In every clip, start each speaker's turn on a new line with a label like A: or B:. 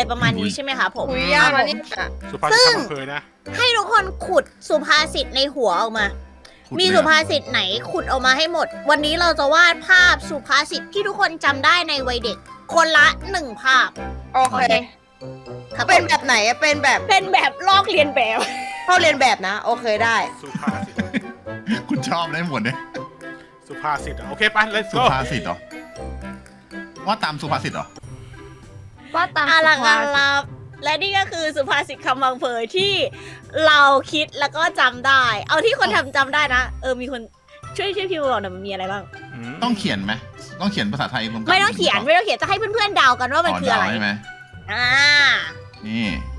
A: ประมาณนี้ใช่ไหมคะผม
B: คุยยากนะเนี่ย
C: สุภาษิตคำบังเคยนะ
A: ให้ทุกคนขุดสุภาษิตในหัวออกมา
D: ขุด
A: มี
D: เลย
A: สุ
D: อะ
A: ภาษิตไหนขุดออกมาให้หมด วันนี้เราจะวาดภาพสุภาษิตที่ทุกคนจำได้ในวัยเด็ก คนละ1 ภาพ
B: โอเค
A: ครับ
B: เป็นแบบไหนอะเป็นแบบ
A: เป็นแบบลอกเรียนแบบ
B: เข้าเรียนแบบนะ โอเคได้
C: สุภาษิต
D: คุณชอบได้หมดเนี่ย
C: สุภาษิตอะโอเคไป let's
D: สุ
C: go
D: ภาษิตเหรอว่าตามสุภาษิตเหรอ
E: ว่าตาม
A: อา
E: สุ
A: ลัง
E: ภา
A: อา
E: ษิต
A: ลับและนี่ก็คือสุภาษิตคำบังเพยที่เราคิดแล้วก็จำได้ เอาที่คนทำจำได้นะ มีคนช่วยพิมพ์บอกหน่อยมันมีอะไรบ้าง
D: ต้องเขียนไหมต้องเขียนภาษาไทยรวมกัน
A: ไม่ต้องเขียนไม่ต้องเขียนจะให้เพื่อนๆเดากันว่ามันคืออะไร
D: เดาใช่ไหม
A: อ่า
D: นี่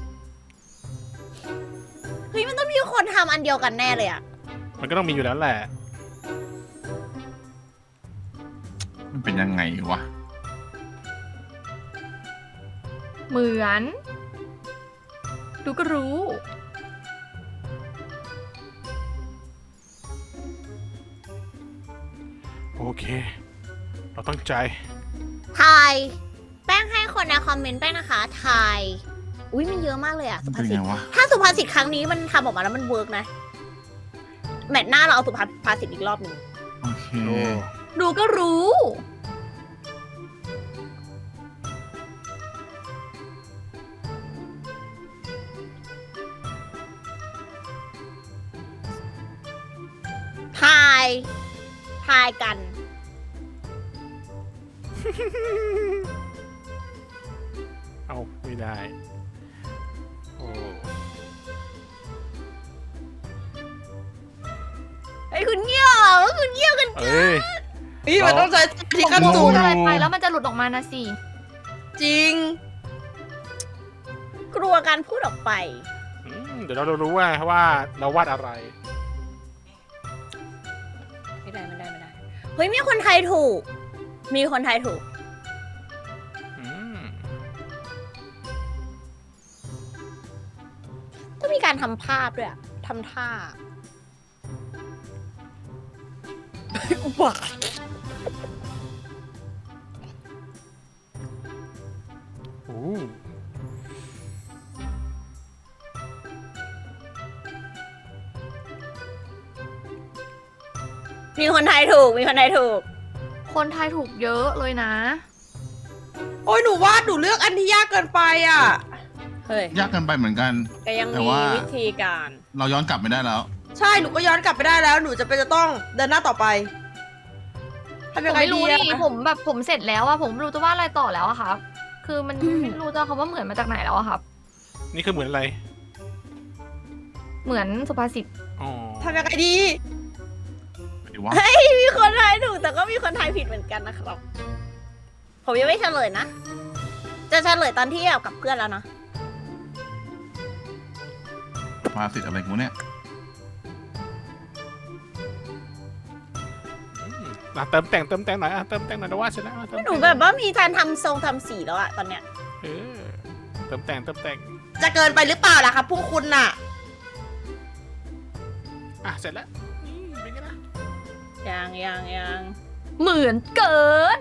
A: เฮ้ยมันต้องมีคนทำอันเดียวกันแน่เลยอะ
C: มันก็ต้องมีอยู่แล้วแหละ
D: มันเป็นยังไงวะ
E: เหมือน ดูก็รู้
C: โอเค เราตั้งใจ
A: ทาย แป้งให้คนในคอมเมนต์แป้งนะคะทายอุ้ยมันเยอะมากเลยอะ
D: มั
A: สุ
D: น
A: ภา
D: เป็น
A: ษิต
D: ไงวะ
A: ถ้าสุภาษิตครั้งนี้มันทำออกมาแล้วมันเวิร์กนะ แมตช์หน้าเราเอาสุภาษิตอีกรอบหนึ่ง
D: โอเค
C: โอ้
E: ดูก็รู้
A: ทายทายกัน
C: เอาไม่ได้ โอ้
A: ไอ้ยคุณเงี้ยวเหรอคุณเงี้ยวกัน
C: เอ้ย
B: นี่มันต้องใช้ที่ขั้น
E: พู
B: สู
E: ด
B: ง
E: อะไรไปแล้วมันจะหลุดออกมานะสิ
B: จริง
A: กลัวการพูดออกไป
C: เดี๋ยวเรารู้ว่าเราวาดอะไร
A: ไม่ได้เฮ้ยมีคนไทยถูก มีคนไทยถูก
C: อืม
A: ต้องมีการทำภาพด้วยอะทำท่าอุบาท
C: โอ้
A: มีคนไทยถูก มีคนไทยถูก
E: คนไทยถูกเยอะเลยนะ
B: โอ้ยหนูวาดหนูเลือกอันที่ยากเกินไปอ่ะ
A: เฮ้ย
D: ยากเกินไปเหมือนกัน
A: ก็ยัง
D: แต่
A: มี
D: ว่า
A: วิธีการ
D: เราย้อนกลับไม่ได้แล้ว
B: ใช่หนูก็ย้อนกลับไปได้แล้ว หนูจะต้องเดินหน้าต่อไปทำ
E: ผ
B: ยัง
E: ม
B: ไง
E: ไม่
B: ดี
E: รู้
B: อะ
E: นี่ผมเสร็จแล้วอะผมไม่รู้จะว่าอะไรต่อแล้วอะครับ คือมันไม่รู้จะคำว่าเหมือนมาจากไหนแล้วอะครับ
C: นี่คือเหมือนอะไร
E: เหมือนสุภาษิต
C: อ๋อ
B: ทำยังไงดี
D: หรือว่า
A: มีคนไทยถูกแต่ก็มีคนไทยผิดเหมือนกันนะครับ ผมยังไม่เฉลยนะ จะเฉลยตอนที่กับเพื่อนแล้วนะ
D: สุภาษิตอะไรกูเนี่ย
C: เติมแต่งหน่อยเติมแต่งหน่อยนะว่าชนะเติม
A: หนู
C: แต่ง
A: แบบว่ามีการทำทรงทำสีแล้วอะตอนเนี้ย
C: เออเติมแต่ง
B: จะเกินไปหรือเปล่าล่ะครับพวกคุณน่ะ
C: อ่ะเสร็จแล้วเป็นไงนะ
A: ยัง
E: เหมือนเกิน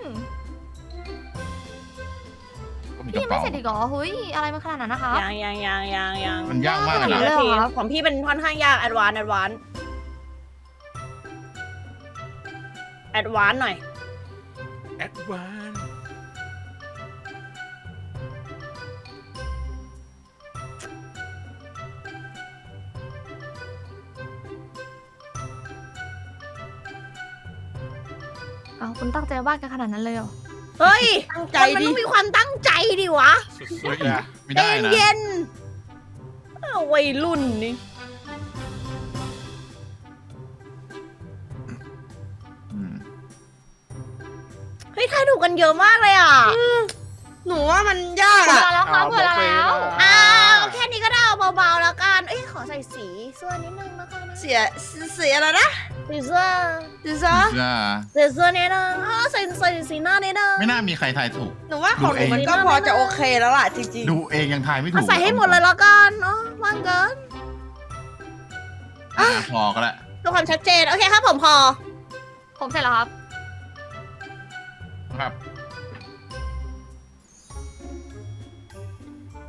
D: ก็มีก
E: พี่
D: ระ
E: ยังไม่
D: เป๋า
E: เสร็จอีกเหรอเฮ้ยอะไรมันขนาดนั้นนะคะ
A: ยัง
D: มันยากมากเลย
E: ย
D: นะ
E: เลยเหรอครับ
A: ของพี่เป็นค่อนข้างยากแอดวานหน่อย
C: แอดวาน
E: เอาคุณตั้งใจวาดกันขนาดนั้นเลยเหรอ
A: เฮ้ย
B: ตั้งใจ
A: คนมัน
B: ดิ
A: ต้องมีความตั้งใจดิวะ
C: สุดๆอะ
D: ไม่ได้นะ
A: เย็นวัยรุ่นนี่
D: อืม
A: เฮ้ยทายถูกกันเยอะมากเลยอ่ะ
B: หนูว่ามันยาก
E: เว
B: อ่ะ
E: ลาแล้วครับเวลาแล้ว
A: อ้าวแค่นี้ก็ได้เอาเบาๆแล้วกัน เอ้ยขอใส่สีเสื้อนิดนึงแล้วกันนะ
B: เสียอะไรนะ
A: สีเสื้อ
B: ดิซะ
D: เสื้อ
A: ใส่เสื้อนิดนึงใส่สีหน้านิดนึง
D: ไม่น่ามีใครทายถูก
B: หนูว่าของหนูมันก็พอจะโอเคแล้วล่ะจริง
D: ดูเองยังทายไม่ถู
A: เอา
D: ก
A: ใส่ให้หมดเลยแล้วกันเนาะว่างเกิน
D: พอก็แล้ว
A: เพื่อความชัดเจน โอเคครับผมพอ
E: ผมเสร็จแล้วครับ
D: ครับ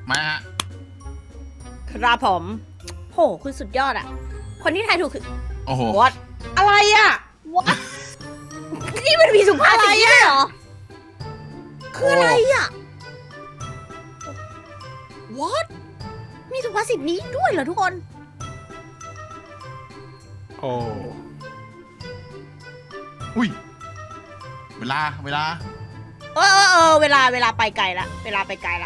D: มาฮะ
A: ครับผม โห คุณสุดยอดอะคนที่ทายถูกคือ
D: โอ้โห
A: what
B: อะไรอ่ะ
A: what นี่มันมีสุภาษิตนี้ด้วยเหรอ คืออะไรอะ what มีสุภาษิตนี้ด้วยเหรอทุกคน
C: โอ้
D: อุ้ย เวลา
A: เวลาไปไกลละเวลาไปไกลละ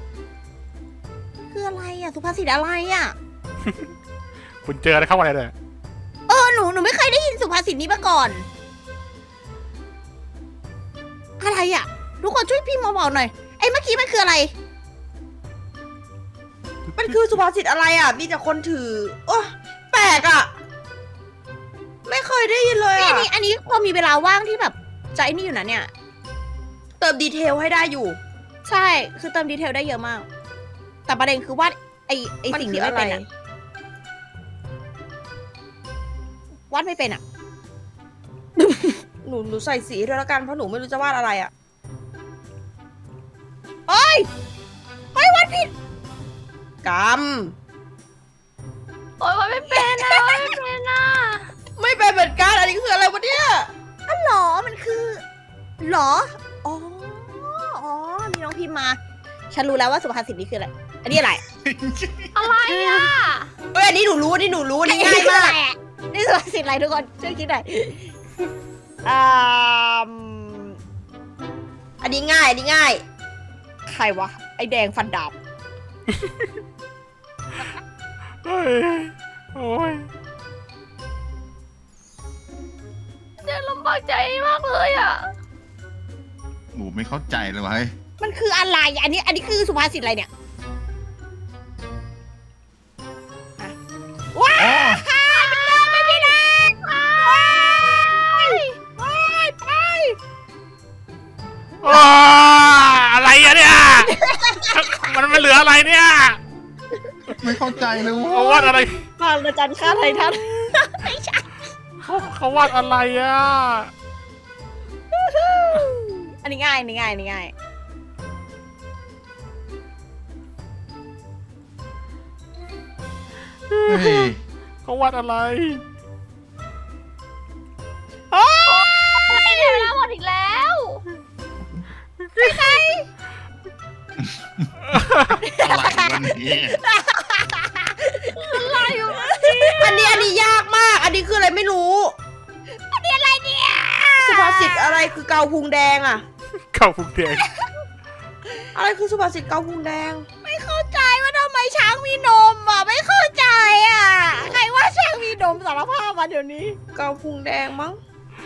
A: คืออะไรอะสุภาษิตอะไรอะ
C: คุณเจออะไรเข้ามาเลย
A: หนูไม่เคยได้ยินสุภาษิตนี้มาก่อน อะไรอะทุกคนช่วยพี่มาบอกหน่อยไอ้เมื่อกี้มันคืออะไร
B: มันคือสุภาษิตอะไรอ่ะ มีแต่คนถือ โอ้แปลกอ่ะ ไม่เคยได้ยินเลย
A: นี่
B: อ่ะ
A: อันนี้พอมีเวลาว่างที่แบบใจนี่อยู่นะเนี่ย
B: เติมดีเทลให้ได้อยู่
A: ใช่ คือเติมดีเทลได้เยอะมาก แต่ประเด็นคือว่าไอ
B: มัน
A: สิ่ง
B: คื
A: นี้
B: อ
A: ไม่
B: อะไร
A: เป็นอะวาดไม่เป็นอะ
B: หนูใส่สีด้วยแล้วกัน เพราะหนูไม่รู้จะวาดอะไรอ่ะ
A: เฮ้ยวาดผิด
B: ก
E: โอ๊ยไม่เป็นอะไม่เป็นอะ
B: ำไม่เป็นเหมือนกัน อันนี้คืออะไรวะเนี่ย
A: อ๋อเหรอ มันคือเหรอ อ๋อ มีน้องพิมพ์มา ฉันรู้แล้วว่าสุภาษิตนี้คืออะไร อันนี้อะไร
E: อะไรอะ
B: เอ้ยอันนี้หนูรู้อันนี้หนูรู้อันนี้ง่ายมาก
A: นี่สุภาษิตอะไรทุกคน ช่วยคิดหน่อยม
B: อันนี้ง่าย อันนี้ง่าย
A: ใครวะ ไอแดงฟันดาบ
C: เฮ้ย โอ้ย
E: เนี่ยลำบากใจมากเลยอะ
D: หนูไม่เข้าใจเลยวะเฮ้ย
A: มันคืออะไร อันนี้คือสุภาษิตอะไรเนี่ย
D: โอ้
A: ไม่พี่แดงไป
C: อ้าอะไรอะเนี่ย มันเหลืออะไรเนี่ย
D: ไม่เข้าใจเลย
C: เขาวาดอะไร
A: บางระจันฆ่าไททัน
C: เขาวาดอะไรอ่ะ
A: อันนี้ง่ายอันนี้ง่ายอันนี้ง่าย
D: เฮ้ย
C: เขาวาดอะไร
E: อะไรเนี่ยเวลาหมดอีกแล้ว
D: อะไรวันนี้
E: อะไรอยู่
B: อันนี้ยากมาก อันนี้คืออะไรไม่รู้
A: อันนี้อะไรเนี่ย
B: สุภาษิตอะไรคือเกาพุงแดงอ่ะ
C: เข่าพุงแดง
B: อะไรคือสุภาษิตเกาพุงแดง
A: ไม่เข้าใจว่าทำไมช้างมีนมอ่ะ ไม่เข้าใจอ่ะ ใครว่าช้างมีนมสารภาพมาเดี๋ยวนี้
B: เกาพุงแดงมั้ง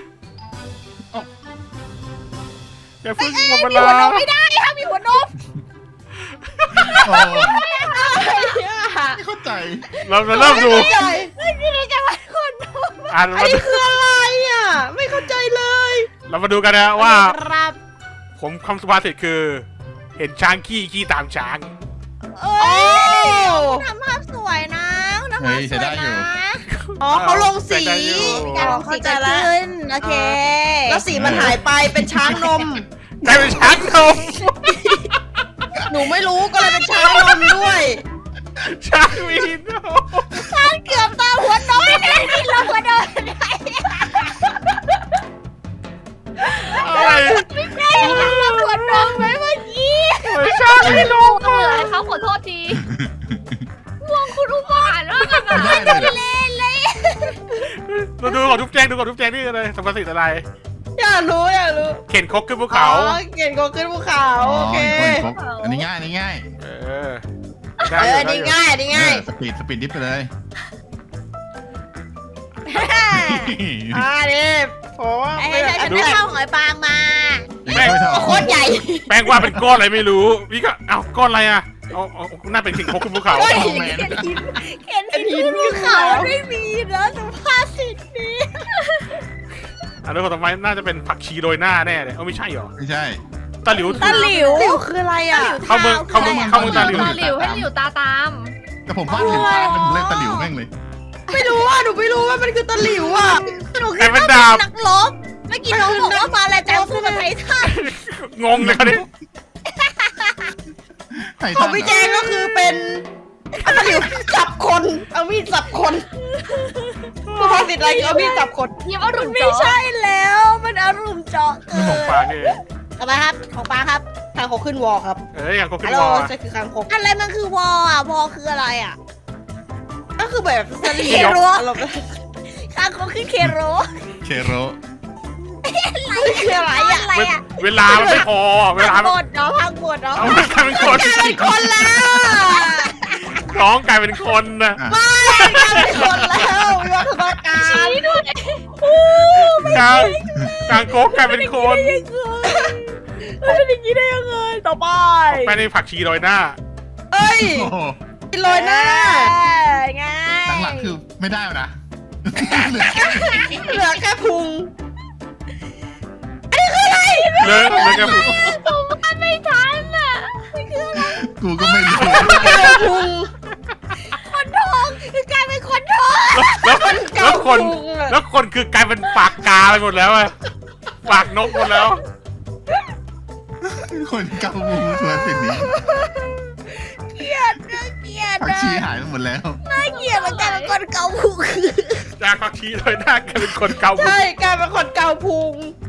C: อย่าเพิ่งหมดเว
A: มี
C: ลา
A: หัวนมไม่ได้ค่ะมีหัวนม
D: โอ้ไม่เข้าใจ
C: เราจะเริ่มดู
B: ไม่เข้าใจ
A: ไม่ได้จะมาหัวนม
C: อ่าน
B: อันนี้คืออะไรอ่ะ ไม่เข้าใจเลย
C: เรามาดูกันนะว่า
A: ครับ
C: ผมคำสุภาษิตคือ เห็นช้างขี้ตามช้าง
A: เอ้
B: โอ้
A: ยทำภาพสวยนะทำภาพสวยนะ
B: อ๋อเขาลงสี
C: ใส่ได้อยู่
A: การลงสีจะขึ้นโอเค
B: แล้วสีมันหายไปเป็นช้างนม
C: กลายเป็นช้างนม
B: หนูไม่รู้ก็เลยเป็นช้างนมด้วย
C: ช้างมีนม
A: เกือบตาหัวนมไม่ได้นี่เราหัวนม
C: อะไร
A: ได้เราหัวนมไว้เมื่อกี้
C: ไม่ช้างมีนม
E: ต้องเหลืออะไรเขาขอโทษทีม่วงคุณอุบาทมากอะ
D: ไม่ได้เลย
A: เล่นเลย
C: ดูก่อนทุบแจงดูก่อนทุบแจงนี่อะไรสุภาษิตอะไร
B: อยากรู้
C: เข็นครกขึ้นภูเขา
B: อ๋อเก่งก็ขึ้นภูเขาโอเค
D: อันนี้ง่ายอันนี้ง่าย
C: เออ
B: อันนี้ง่ายอันนี้ง่าย
D: สปีดดิฟไปเลย
B: นี่ผม
A: ไอ้ฉันไม่เข้าหอยปางมา
B: โคตรใหญ่
C: แป้งว่าเป็นก้อนอะไรไม่รู้พี่ก็เอาก้อนอะไรอ่ะเอาน่าเป็นสิ่งครกขึ้นภูเขา
B: เฮ้ย
A: เข็นหินภูเขาไม่มีนะสุภาษิตนี้
C: อันนี้คนต่อไปน่าจะเป็นผักชีโรยหน้าแน่เลยไม่ใช่หรอ
D: ไม่ใช่
C: ตะหลิว
A: ตะหลิว
B: เดี๋ยวคืออะไรอ่ะ
C: เข้าเมืองเข้าเมืองตาหลิว
E: ตาหลิวให้หลิวตาตาม
D: แต่ผมวาดหลิวตาเป็นเล่นตะหลิวแม่งเลย
B: ไม่รู้อ่ะหนูไม่รู้ว่ามันคือตะหลิวอ่ะ
A: หนูคิดว่าเป็นนักรบเมื่อกี้น้องบอกว่ามาแล้วจะสู้กับไททัน
C: งงเลยเขาดิ
D: ไท
B: ข
D: ทั
B: อง
D: น
B: พี่แจงก็คือเป็นเอาตะหลิวจับคนเอามีดจับคนสุภาษิตอะไรคือเอามีดจับคน
E: ยิ้มอรุณ
A: ไม่
E: เจาะ
A: ใช่แล้วมันอารมณ์เจาะเกิ
C: นี่ของ
A: น
C: ปลาเนี่ย
A: ต่อไปครับของปลาครับ
B: ทางเขาขึ้นวอครับ
C: เอ้ยอย่างก็ขึ้
B: ฮั
C: น
B: ลโหล
C: วอ
B: ใช่คือคางคก
A: อะไรมันคือวออ่ะวอคืออะไรอ่ะ
B: ก็คือแบบสลี
A: เคโร
B: อารมณ์
A: ข้างเขาคือเคโร
D: เคโร
B: คืออะไรอ่ะ
A: อะไรอ่ะ
C: เวลามันไม่พอเวลา
A: พัง
C: มัน
A: บดเนาะพังบดเนาะ
C: เอากลายเป็นคน
B: เป็นคนแล้ว
C: น้องกลายเป็นคนนะ
D: อ่ะ
B: เป็นคนแล้ววิวัฒนาการ
E: ชี้ด้วย
C: กลางโก๊กกลายเป็นคน
A: มันเป็นอย่างนี้ได้ยังไงต่อไป
C: ไปในผักชีโรยหน้า
B: เอ้ย
D: โอ้โห
B: กินโรยหน้า
A: ไง
D: หลังๆคือไม่ได้แล้วนะ
B: เหลือแค่พุง
C: เลิกกับ
E: ผมว่าไม่ทันอ่ะ
D: กูก็ไม่รู้
B: เหลือพุง
A: คนทองคือกลายเป็นคนทอง
C: แล้วคนคือกลายเป็นปากกาไปหมดแล้วอะปากนกหมดแล้ว
D: คนเกาบูสุภาษิตนี้
A: เกลียดนะเกลียด
D: ผัก
A: นะ
D: ชีหายไปหมดแล้ว
A: น่าเกลียดมันกลายเป็นคนเกาหู
C: จากผักชีโรยหน้ากลายเป็นคนเกา
B: ใช่กลายเป็นคนเกาพุง